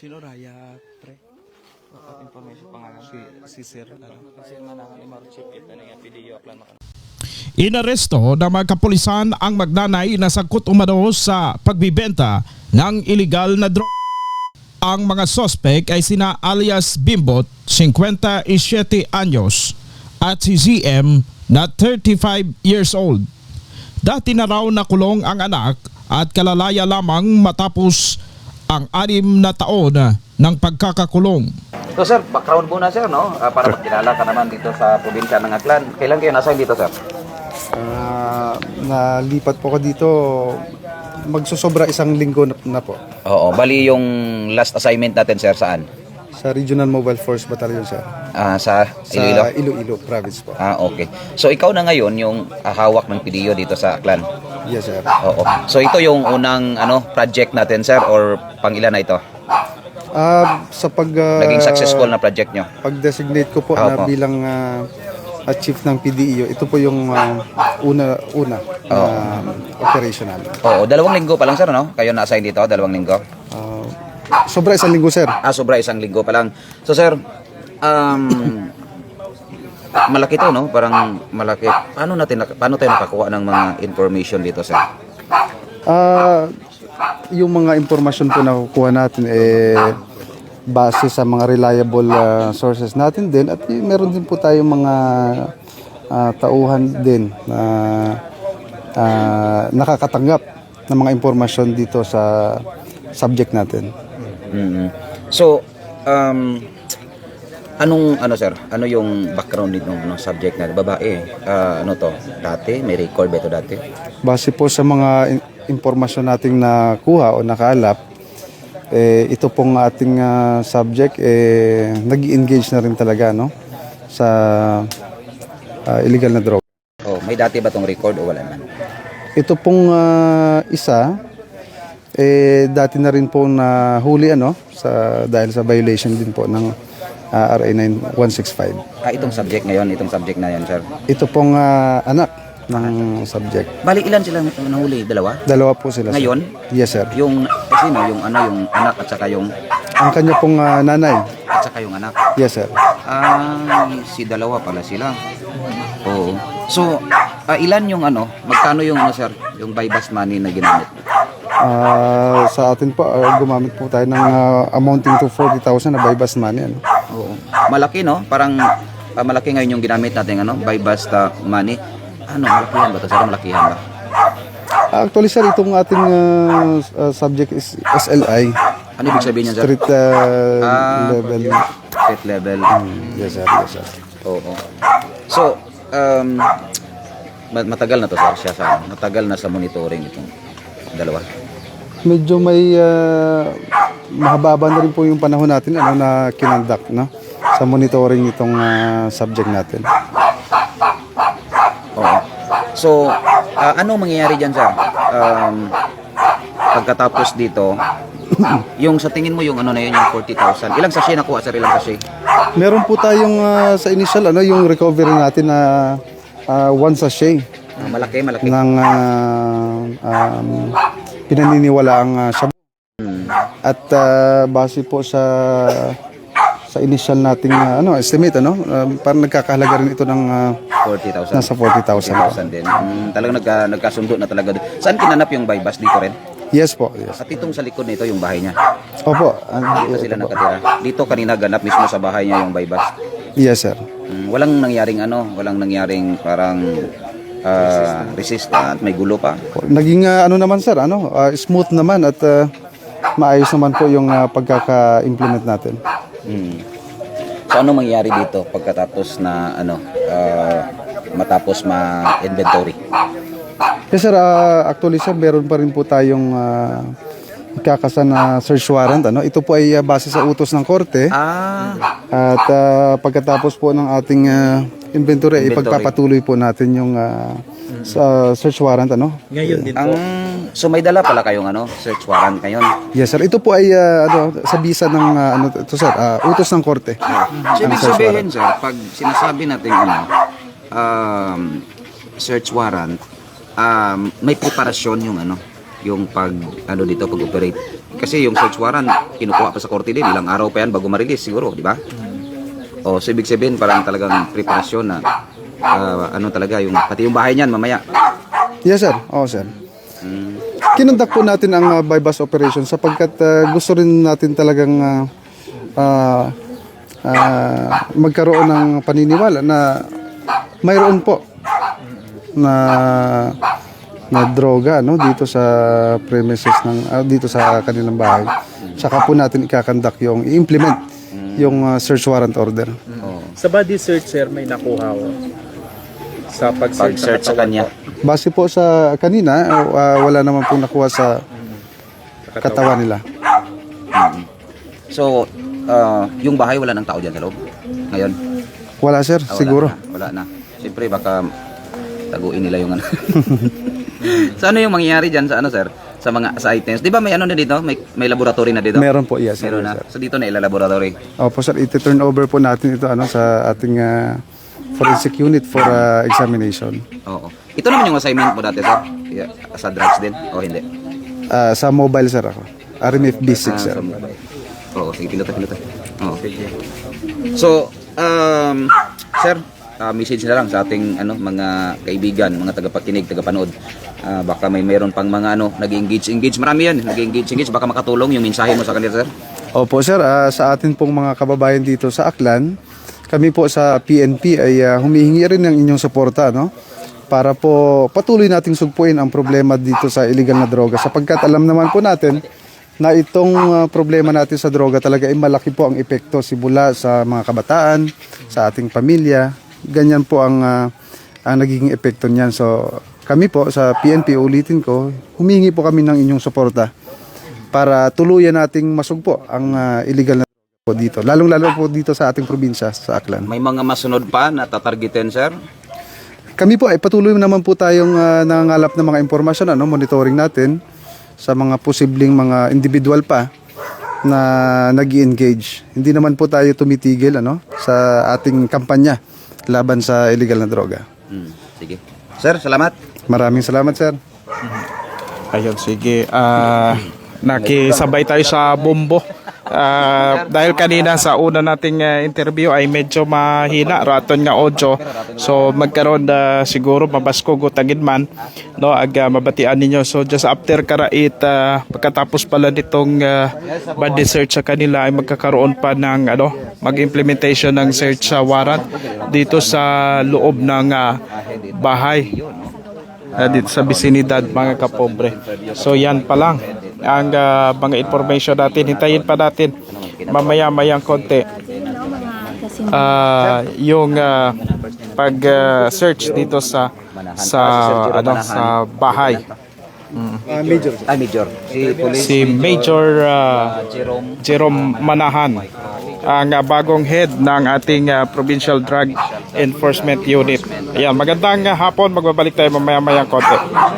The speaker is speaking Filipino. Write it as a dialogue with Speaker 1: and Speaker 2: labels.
Speaker 1: Sino Raya, pre?
Speaker 2: Information pangalan.
Speaker 1: Si Sir,
Speaker 2: Kasi manangan ni Marchip ito na yung video upload maka.
Speaker 3: Inaresto ng mga kapulisan ang magnanay na sangkot umano sa pagbibenta ng iligal na droga. Ang mga sospek ay sina alias Bimbot, 57 anyos, at si ZM na 35 years old. Dati na raw nakulong ang anak at kalalaya lamang matapos ang 6 na taon ng pagkakakulong.
Speaker 2: So sir, background muna sir, no? Para magkilala ka naman dito sa probinsya ng Aklan. Kailan kayo nasa dito sir?
Speaker 4: Nalipat po ko dito, magsusobra 1 linggo na po.
Speaker 2: Oo, bali yung last assignment natin sir saan?
Speaker 4: Sa Regional Mobile Force Battalion, sir.
Speaker 2: Sa Iloilo?
Speaker 4: Sa Iloilo Province po.
Speaker 2: Okay. So ikaw na ngayon yung hawak ng PDO dito sa Aklan?
Speaker 4: Yes, sir.
Speaker 2: Oo. So ito yung unang project natin sir or pang-ilan na ito?
Speaker 4: Sa
Speaker 2: Naging successful na project nyo?
Speaker 4: pag-designate ko po na bilang chief ng PDEO, ito po yung una operational.
Speaker 2: Oo, 2 linggo pa lang sir, no? Kayo na-assign dito, 2 linggo?
Speaker 4: Sobra 1 linggo, sir.
Speaker 2: Sobra 1 linggo pa lang. So sir, malaki to, no? Parang malaki. Paano tayo nakakuha ng mga information dito, sir?
Speaker 4: Yung mga impormasyon po na kukuha natin base sa mga reliable sources natin din, at meron din po tayong mga tauhan din na nakakatanggap ng mga impormasyon dito sa subject natin.
Speaker 2: So, sir? Ano yung background nito ng subject natin? Babae, ano to? Dati? May record ba ito dati?
Speaker 4: Base po sa mga impormasyon nating nakuha o nakalap, ito pong ating subject nag-engage na rin talaga, no, sa illegal na droga.
Speaker 2: Oh, may dati ba tong record o wala man?
Speaker 4: Ito pong isa dati na rin po na huli dahil sa violation din po ng RA 9165.
Speaker 2: Itong subject ngayon, itong subject na yan, sir.
Speaker 4: Ito pong anak ng subject.
Speaker 2: Bali, ilan sila nahuli? 2?
Speaker 4: 2 po sila, sir.
Speaker 2: Ngayon?
Speaker 4: Yes, sir.
Speaker 2: Yung yung anak at saka yung
Speaker 4: Ang kanya pong nanay.
Speaker 2: at saka yung anak.
Speaker 4: Yes, sir.
Speaker 2: Si 2 pala sila. Oo. So, ilan yung magkano yung sir, yung buy bust money na ginamit?
Speaker 4: Sa atin po, gumamit po tayo ng amounting to 40,000 na buy bust money.
Speaker 2: Oo. Malaki, no? Parang malaki ngayon yung ginamit natin buy bust money. Malakihan ba ito, sir? Malakihan ba?
Speaker 4: Actually, sir, itong ating subject is SLI.
Speaker 2: Ano ibig sabihin niyan, sir?
Speaker 4: Street level.
Speaker 2: Street level.
Speaker 4: Yes, sir. Yes, sir.
Speaker 2: Oo. So, matagal na to, sir, matagal na sa monitoring itong 2.
Speaker 4: Medyo may mahaba na rin po yung panahon natin na kinonduct, no, sa monitoring itong subject natin.
Speaker 2: Oo. So, anong mangyayari dyan, sir? Pagkatapos dito, yung sa tingin mo yung na yun, yung 40,000. Ilang sachet nakuha, sir? Ilang sachet?
Speaker 4: Meron po tayong sa initial, yung recovery natin na 1 sachet
Speaker 2: Malaki.
Speaker 4: ng pinaniniwalaang shabu. At base po sa initial nating estimate, parang nagkakahalaga rin ito ng
Speaker 2: 40,000.
Speaker 4: nasa 40,000.
Speaker 2: 40,000 din. Talagang nagkasundo na talaga. Saan kinanap yung buy bust dito rin?
Speaker 4: Yes po, yes.
Speaker 2: At itong sa likod nito yung bahay niya.
Speaker 4: Opo.
Speaker 2: Dito sila nakatira. Dito kanina ganap mismo sa bahay niya yung buy bust.
Speaker 4: Yes, sir.
Speaker 2: Walang nangyaring parang resist at may gulo pa.
Speaker 4: Naging naman, sir, smooth naman at maayos naman po yung pagkaka-implement natin.
Speaker 2: So ano mangyayari dito pagkatapos na matapos ma-inventory?
Speaker 4: Yes, sir. Actually, sir, meron pa rin po tayong ikakasan na search warrant. Ito po ay base sa utos ng korte. At pagkatapos po ng ating inventory, ipagpapatuloy po natin yung sa search warrant.
Speaker 1: Ngayon din po.
Speaker 2: So may dala pala kayong search warrant ngayon?
Speaker 4: Yes, sir. Ito po ay sa bisa ng ito, sir, utos ng korte.
Speaker 2: So ibig sabihin, sir, pag sinasabi natin search warrant, may preparasyon yung yung pag ano dito pag-operate. Kasi yung search warrant kinukuha pa sa korte din, ilang araw pa yan bago ma-release siguro, di ba? O so ibig sabihin parang talagang preparasyon na ano talaga yung pati yung bahay niyan mamaya.
Speaker 4: Yes sir, oo sir.
Speaker 2: Mm.
Speaker 4: Kinundak po natin ang bypass operation sapagkat gusto rin natin talagang magkaroon ng paniniwala na mayroon po na droga no dito sa premises ng dito sa kanilang bahay. Saka po natin ikakandak yung i-implement yung search warrant order.
Speaker 1: Sa body search, sir, may nakuha ko. Sa
Speaker 2: Pag-search sa kanya.
Speaker 4: Base po sa kanina, wala naman pong nakuha sa katawan nila.
Speaker 2: So, yung bahay wala nang tao diyan sa loob. Ngayon,
Speaker 4: Wala sir, siguro.
Speaker 2: wala na. Siyempre baka taguin nila yung ano. So ano yung mangyayari diyan sa ano sir? Sa mga sa items. 'Di ba may ano na dito? May laboratory na dito?
Speaker 4: Meron po, yes.
Speaker 2: Meron na.
Speaker 4: Sir.
Speaker 2: So dito na ilalaboratory.
Speaker 4: Opo sir, iti-turn over po natin ito sa ating forensic unit for examination.
Speaker 2: Oo. Ito naman yung assignment mo dati sir? Yeah, sa drugs din o hindi?
Speaker 4: Sa mobile sir ako. RMF B6 sir.
Speaker 2: Oo, sige, piloto. Oo. So, sir, message na lang sa ating mga kaibigan, mga tagapakinig, tagapanood. Baka meron pang mga nag-engage. Marami yan, nag-engage. Baka makatulong yung mensahe mo sa kanila, sir.
Speaker 4: Opo sir, sa atin pong mga kababayan dito sa Aklan, kami po sa PNP ay humihingi rin ng inyong suporta, no? Para po patuloy nating sugpuin ang problema dito sa illegal na droga sapagkat alam naman po natin na itong problema natin sa droga talaga ay malaki po ang epekto simula sa mga kabataan, sa ating pamilya. Ganyan po ang nagiging epekto niyan. So kami po sa PNP, ulitin ko, humingi po kami ng inyong suporta para tuluyan nating masugpo ang illegal na droga po dito. Lalong-lalo po dito sa ating probinsya, sa Aklan.
Speaker 2: May mga masunod pa na tatargetin, sir?
Speaker 4: Kami po ay patuloy naman po tayong nangangalap ng mga impormasyon, monitoring natin sa mga posibleng mga individual pa na nag-engage. Hindi naman po tayo tumitigil sa ating kampanya laban sa illegal na droga.
Speaker 2: Sige. Sir, salamat.
Speaker 4: Maraming salamat sir.
Speaker 3: Ayun, sige. Nakisabay tayo sa bombo. Dahil kanina sa una nating interview ay medyo mahina raton nga audio. So magkaroon siguro mabasko gutagin man no mabatian ninyo. So just after karait pagkatapos pala nitong body search sa kanila ay magkakaroon pa ng mag-implementation ng search warrant dito sa loob ng bahay. Dito sa bisinidad mga kapobre. So yan pa lang ang mga information natin. Hintayin pa natin mamaya-mayang konti yung pag-search dito sa bahay.
Speaker 2: Major.
Speaker 3: Si Major Jerome Manahan, ang bagong head ng ating Provincial Drug Enforcement Unit. Ayan, magandang hapon. Magbabalik tayo mamaya-mayang konti.